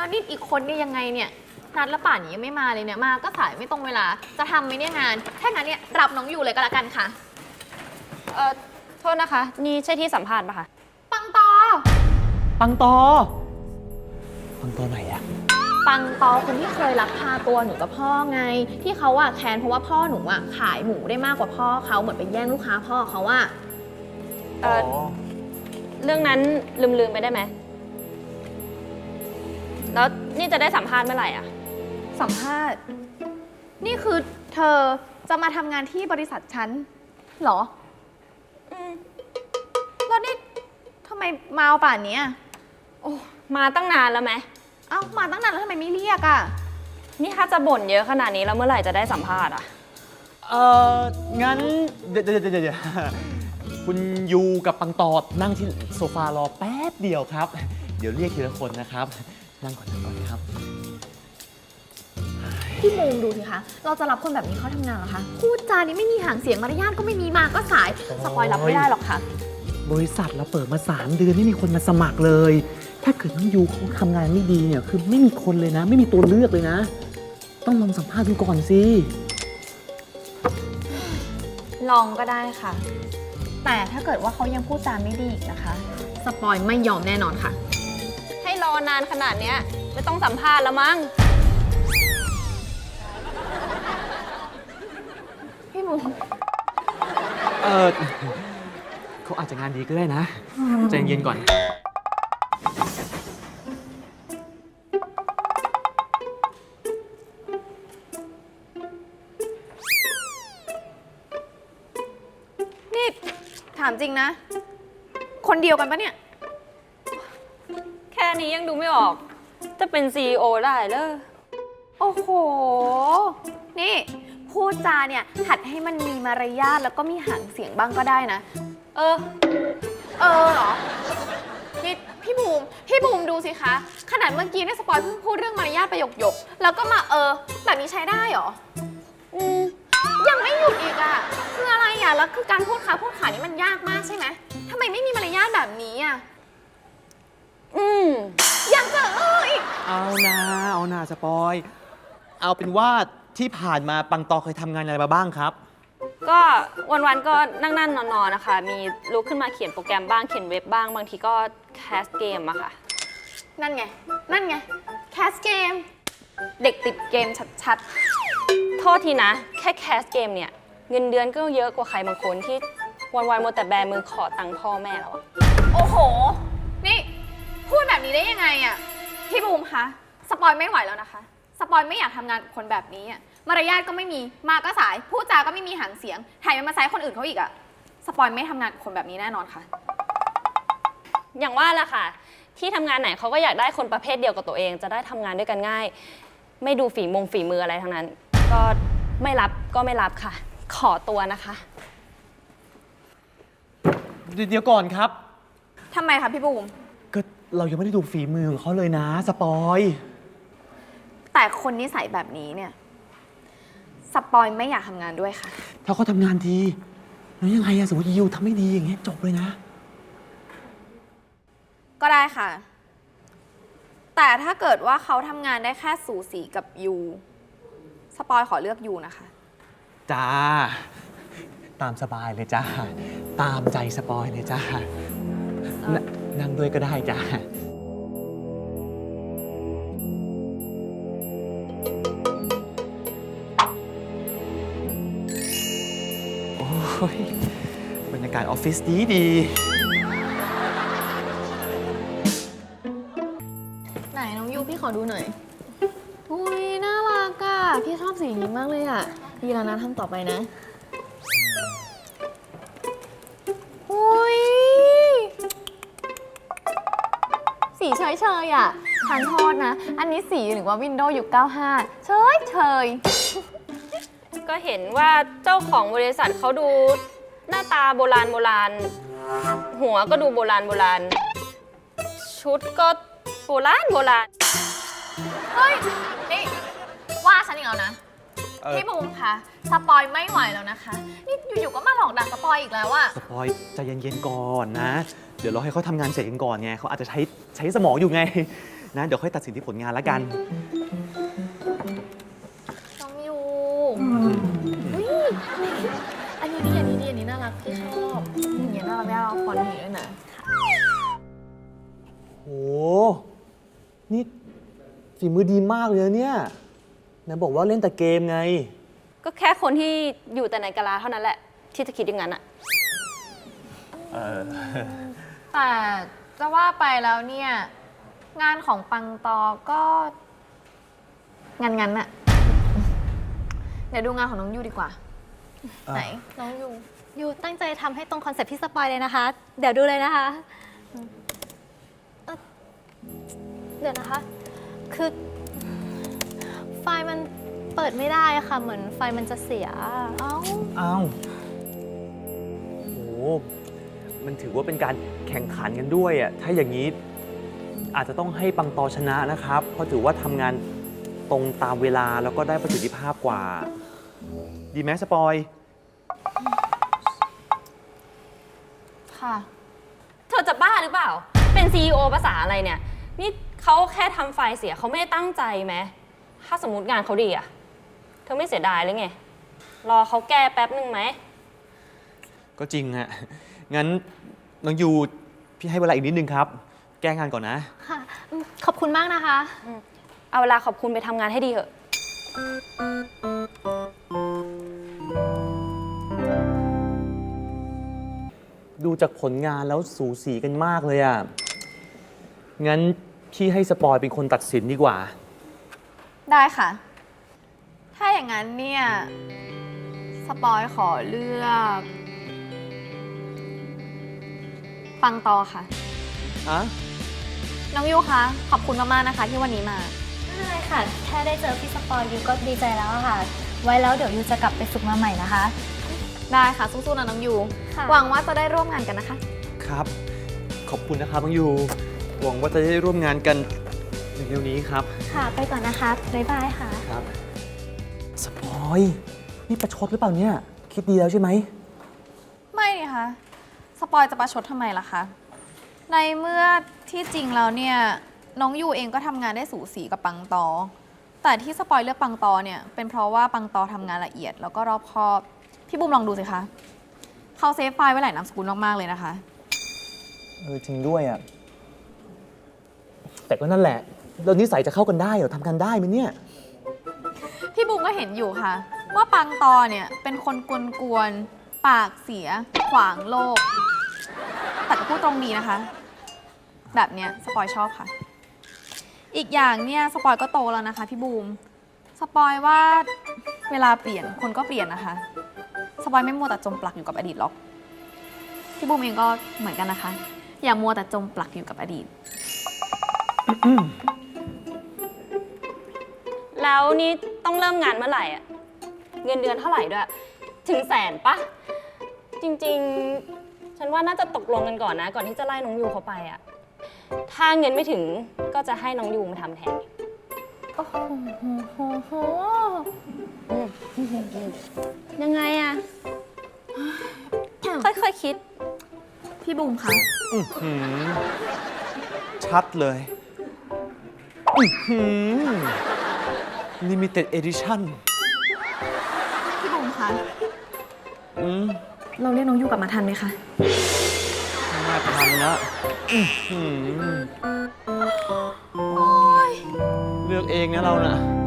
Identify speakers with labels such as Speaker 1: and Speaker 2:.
Speaker 1: แล้วนี่อีกคนเนี่ยยังไงเนี่ยนัดแล้วป่านนี้ยังไม่มาเลยเนี่ยมาก็สายไม่ตรงเวลาจะทำไหมเนี่ยงานถ้างั้นเนี่ยรับน้องอยู่เลยก็แล้วกันค่ะ
Speaker 2: โทษนะคะ นี่ใช่ที่สัมภาษณ์ปะคะ
Speaker 1: ปังตอ
Speaker 3: ปังตอ ปังตอไหนอะ
Speaker 1: ปังตอคนที่เคยลักพาตัวหนูกับพ่อไง ที่เขาอะแค้นเพราะว่าพ่อหนูอะขายหมูได้มากกว่าพ่อเขาเหมือนไปแย่งลูกค้าพ่อเขาอะ
Speaker 2: เรื่องนั้นลืมไปได้ไหม แล้วนี่จะได้สัมภาษณ์เมื่อไหร่อะ
Speaker 1: สัมภาษณ์นี่คือเธอจะมาทำงานที่บริษัทฉันเหรอแล้วนี่ทำไมมาเอาป่านนี้อะ
Speaker 2: โอ้มาตั้งนานแล้วไหม
Speaker 1: เอ้ามาตั้งนานแล้วทำไมไม่เรียกอะ
Speaker 2: นี่ถ้าจะบ่นเยอะขนาดนี้แล้วเมื่อไหร่จะได้สัมภาษณ์อะ
Speaker 3: งั้นเดี๋ยวคุณยูกับปังตอนั่งที่โซฟารอแป๊บเดียวครับ เดี๋ยวเรียกทีละคนนะครับ นั่งก่อนครับ
Speaker 1: พี่มุมดูสิคะเราจะรับคนแบบนี้เข้าทำงานเหรอคะพูดจานี้ไม่มีหางเสียงมารยาทก็ไม่มีมาก็สายสปอยรับไม่ได้หรอกค่ะ
Speaker 3: บริษัทเราเปิดมา3 เดือนไม่มีคนมาสมัครเลย ถ้าเกิดน้องยูเขาทำงานไม่ดีเนี่ยคือไม่มีคนเลยนะ ไม่มีตัวเลือกเลยนะ ต้องลองสัมภาษณ์ดูก่อนสิ
Speaker 1: ลองก็ได้ค่ะ แต่ถ้าเกิดว่าเขายังพูดจาไม่ดีอีกนะคะ สปอยไม่ยอมแน่นอนค่ะ
Speaker 2: ให้รอนานขนาดเนี้ยไม่ต้องสัมภาษณ์แล้วมั้ง
Speaker 1: พี่มุม
Speaker 3: เขาอาจจะงานดีก็ได้นะใจเย็นๆก่อน
Speaker 1: นี่ถามจริงนะ คนเดียวกันปะเนี่ย
Speaker 2: แค่นี้ยังดูไม่ออก จะเป็น CEO ได้เลย
Speaker 1: โอ้โห นี่พูดจาเนี่ยหัดให้มันมีมารยาทแล้วก็มีหางเสียงบ้างก็ได้นะ
Speaker 2: เออ
Speaker 1: เหรอ นี่พี่บูมดูสิคะ ขนาดเมื่อกี้เนี่ยสปอยเพิ่งพูดเรื่องมารยาทประโยคแล้วก็มาแบบนี้ใช้ได้เหรอ ยังไม่หยุดอีกอะคืออะไรอะแล้วคือการพูดขานี่มันยากมากใช่ไหมทำไมไม่มีมารยาทแบบนี้อะยังจะอีก
Speaker 3: เอานาสปอย เอาเป็นว่าที่ผ่านมาปังตอเคยทำงานอะไรมาบ้างครับ
Speaker 2: ก็วันๆก็นั่งนอนๆนะคะ มีลุกขึ้นมาเขียนโปรแกรมบ้าง เขียนเว็บบ้าง บางทีก็แคสเกมอะค่ะ
Speaker 1: นั่นไงแคสเกม เด็กติดเกมชัด
Speaker 2: โทษทีนะ แค่แคสเกมเนี่ย เงินเดือนก็เยอะกว่าใครบางคนที่วันๆมัวแต่แบมือขอตังค์พ่อแม่แล้วอะ
Speaker 1: ๆ โอ้โห นี่พูดแบบนี้ได้ยังไงอะพี่บูมคะ สปอยไม่ไหวแล้วนะคะ สปอยไม่อยากทำงานกับคนแบบนี้อะมารยาทก็ไม่มี มาก็สาย พูดจาก็ไม่มีหางเสียงแถมยังมาแซะคนอื่นเขาอีกอะสปอยไม่ทำงานกับคนแบบนี้แน่นอนค่ะ
Speaker 2: อย่างว่าแหละค่ะ ที่ทำงานไหนเขาก็อยากได้คนประเภทเดียวกับตัวเอง จะได้ทำงานด้วยกันง่าย ไม่ดูฝีมืออะไรทั้งนั้น ก็ไม่รับค่ะ ขอตัวนะคะ
Speaker 3: เดี๋ยวก่อนครับ
Speaker 1: ทำไมคะพี่บูม
Speaker 3: ก็เรายังไม่ได้ดูฝีมือของเขาเลยนะสปอย
Speaker 1: แต่คนนิสัยแบบนี้เนี่ย สปอยไม่อยากทำงานด้วยค่ะ
Speaker 3: ถ้าเขาทำงานดีแล้วยังไงอะสมมติยูทำไม่ดีอย่างเงี้ยจบเลยนะ
Speaker 1: ก็ได้ค่ะ แต่ถ้าเกิดว่าเขาทำงานได้แค่สูสีกับยูสปอยขอเลือกยูนะคะ
Speaker 3: จ้า ตามสบายเลยจ้า ตามใจสปอยเลยจ้า นั่งด้วยก็ได้จ้า โอ้ยบรรยากาศออฟฟิศดี
Speaker 1: ไหนน้องยูพี่ขอดูหน่อย อุ้ยน่ารักอ่ะ พี่ชอบสีนี้มากเลยอ่ะ ดีแล้วนะทำต่อไปนะ อุ้ยสีเฉยๆอ่ะทานโทษนะ อันนี้สีหรือว่า Windows ยุค95เฉย
Speaker 2: ก็เห็นว่าเจ้าของบริษัทเขาดูหน้าตาโบราณ หัวก็ดูโบราณ ชุดก็โบราณ
Speaker 1: เฮ้ย นี่ ว่าฉันอีกแล้วนะ
Speaker 3: ๆ
Speaker 1: พี่บูมคะสปอยไม่ไหวแล้วนะคะ นี่อยู่ๆก็มาหลอกด่าสปอยอีกแล้วอะ
Speaker 3: สปอยใจเย็นๆก่อนนะ เดี๋ยวเราให้เขาทำงานเสร็จกันก่อนไงเขาอาจจะใช้สมองอยู่ไงนะ เดี๋ยวค่อยตัดสินที่ผลงานแล้วกัน
Speaker 1: น้องยูอุ๊ยอันนี้ดีอันนี้ดีอันนี้น่ารักพี่ชอบอย่างเงี้ยน่ารักแน่เราฟอนต์นี้ด้วยนะ
Speaker 3: โห นี่ฝีมือดีมากเลยนะเนี่ยไหนบอกว่าเล่นแต่เกมไง
Speaker 2: ก็แค่คนที่อยู่แต่ในกะลาเท่านั้นแหละ ที่จะคิดอย่างนั้นอะ
Speaker 1: แต่จะว่าไปแล้วเนี่ย งานของปังตอก็งั้นๆน่ะ เดี๋ยวดูงานของน้องยูดีกว่า ไหน น้องยู
Speaker 4: ยูตั้งใจทำให้ตรงคอนเซ็ปต์ที่สปอยเลยนะคะ เดี๋ยวดูเลยนะคะเดี๋ยวนะคะ คือไฟล์มันเปิดไม่ได้อะค่ะ เหมือนไฟล์มันจะเสีย
Speaker 1: เอ้า
Speaker 3: อ้าวโห มันถือว่าเป็นการแข่งขันกันด้วยอ่ะ ถ้าอย่างนี้อาจจะต้องให้ปังตอชนะนะครับ เพราะถือว่าทำงานตรงตามเวลาแล้วก็ได้ประสิทธิภาพกว่า ดีไหมสปอย
Speaker 1: ค่ะ
Speaker 2: เธอจะบ้าหรือเปล่า เป็น CEO ภาษาอะไรเนี่ย นี่เขาแค่ทำไฟล์เสียเขาไม่ได้ตั้งใจไหม ถ้าสมมติงานเขาดีอะเธอไม่เสียดายเลยไง รอเขาแก้แป๊บนึงไหม
Speaker 3: ก็จริงฮะ งั้นน้องยูพี่ให้เวลาอีกนิดนึงครับ แก้งานก่อนนะ
Speaker 4: ค่ะขอบคุณมากนะคะ
Speaker 2: เอาเวลาขอบคุณไปทำงานให้ดีเถอะ
Speaker 3: ดูจากผลงานแล้วสูสีกันมากเลยอ่ะ งั้นพี่ให้สปอยเป็นคนตัดสินดีกว่า
Speaker 1: ได้ค่ะ ถ้าอย่างนั้นเนี่ย สปอยขอเลือก ปังตอค่ะ
Speaker 3: ฮะ
Speaker 1: น้องยูคะ ขอบคุณมากๆนะคะ ที่วันนี้มา
Speaker 4: ไม่เป็นไรค่ะ แค่ได้เจอพี่สปอยยูก็ดีใจแล้วอะค่ะ ไว้แล้วเดี๋ยวยูจะกลับไปฝึกมาใหม่นะคะ
Speaker 1: ได้ค่ะ สู้ๆนะน้องยู
Speaker 4: ค่ะ
Speaker 1: หวังว่าจะได้ร่วมงานกันนะคะ
Speaker 3: ครับ ขอบคุณนะครับน้องยู หวังว่าจะได้ร่วมงานกันเร็วๆนี้ครับ
Speaker 4: ค่ะ ไปก่อนนะคะ บ๊ายบายค่ะ
Speaker 3: ครับ สปอย นี่ประชดหรือเปล่าเนี่ย คิดดีแล้วใช่ไหม
Speaker 1: ไม่นี่คะสปอยจะประชดทำไมล่ะคะ ในเมื่อที่จริงแล้วเนี่ย น้องยูเองก็ทำงานได้สูสีกับปังตอ แต่ที่สปอยเลือกปังตอเนี่ยเป็นเพราะว่าปังตอทำงานละเอียดแล้วก็รอบคอบ พี่บุมลองดูสิคะเขาเซฟไฟล์ไว้หลายนามสกุลมากๆเลยนะคะ
Speaker 3: จริงด้วยอ่ะ แต่ก็นั่นแหละ เรานิสัยจะเข้ากันได้เหรอทำกันได้ไหมเนี่ย
Speaker 1: พี่บุมก็เห็นอยู่ค่ะ ว่าปังตอเนี่ยเป็นคนกวนๆปากเสีย ขวางโลก แต่ก็พูดตรงดีนะคะ แบบเนี้ยสปอยชอบค่ะ อีกอย่างเนี่ยสปอยก็โตแล้วนะคะพี่บูมสปอยว่าเวลาเปลี่ยนคนก็เปลี่ยนนะคะสปอยไม่มัวแต่จมปลักอยู่กับอดีตหรอกพี่บูมเองก็เหมือนกันนะคะ อย่ามัวแต่จมปลักอยู่กับอดีต
Speaker 2: แล้วนี่ต้องเริ่มงานเมื่อไหร่อะเงินเดือนเท่าไหร่ด้วย ถึง100,000ปะ จริงๆ ฉันว่าน่าจะตกลงกันก่อนนะ ก่อนที่จะไล่น้องยูเขาไปอะถ้าเงินไม่ถึงก็จะให้น้องยูมาทำแทน
Speaker 4: โอ้โห
Speaker 2: ยังไงอะค่อยๆคิด
Speaker 1: พี่บูมคะ
Speaker 3: ชัดเลยLimited Edition
Speaker 1: พี่บูมคะ
Speaker 3: อืม
Speaker 1: เราเรียกน้องยูกลับมาทันไหมคะ
Speaker 3: น่าทันละเลือกเองนะเราน่ะ